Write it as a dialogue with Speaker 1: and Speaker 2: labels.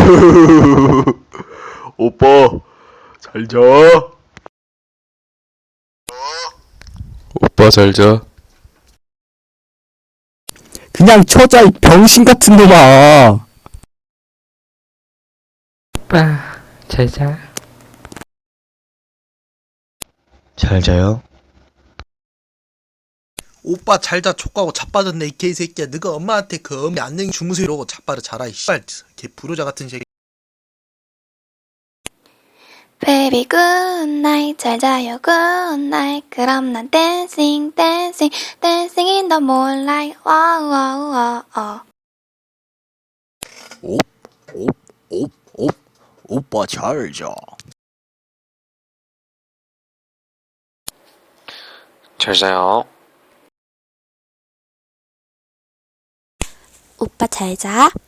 Speaker 1: 오빠, 잘 자. 오빠, 잘 자.
Speaker 2: 그냥 쳐자, 이 병신 같은 놈아.
Speaker 3: 오빠, 잘 자.
Speaker 4: 잘 자요?
Speaker 5: 오빠 잘자 촉하고 자빠졌네 이 개새끼야. 너가 엄마한테 그 엄마 안녕히 주무세요 이러고 자빠져 자라 이 씨발 개 부르자 같은 새끼.
Speaker 6: Baby good night 잘 자요 good night 그럼 난 dancing dancing dancing in the moonlight wow wow wow
Speaker 4: 오빠 잘 자.
Speaker 3: 잘 자요.
Speaker 6: 오빠 잘 자.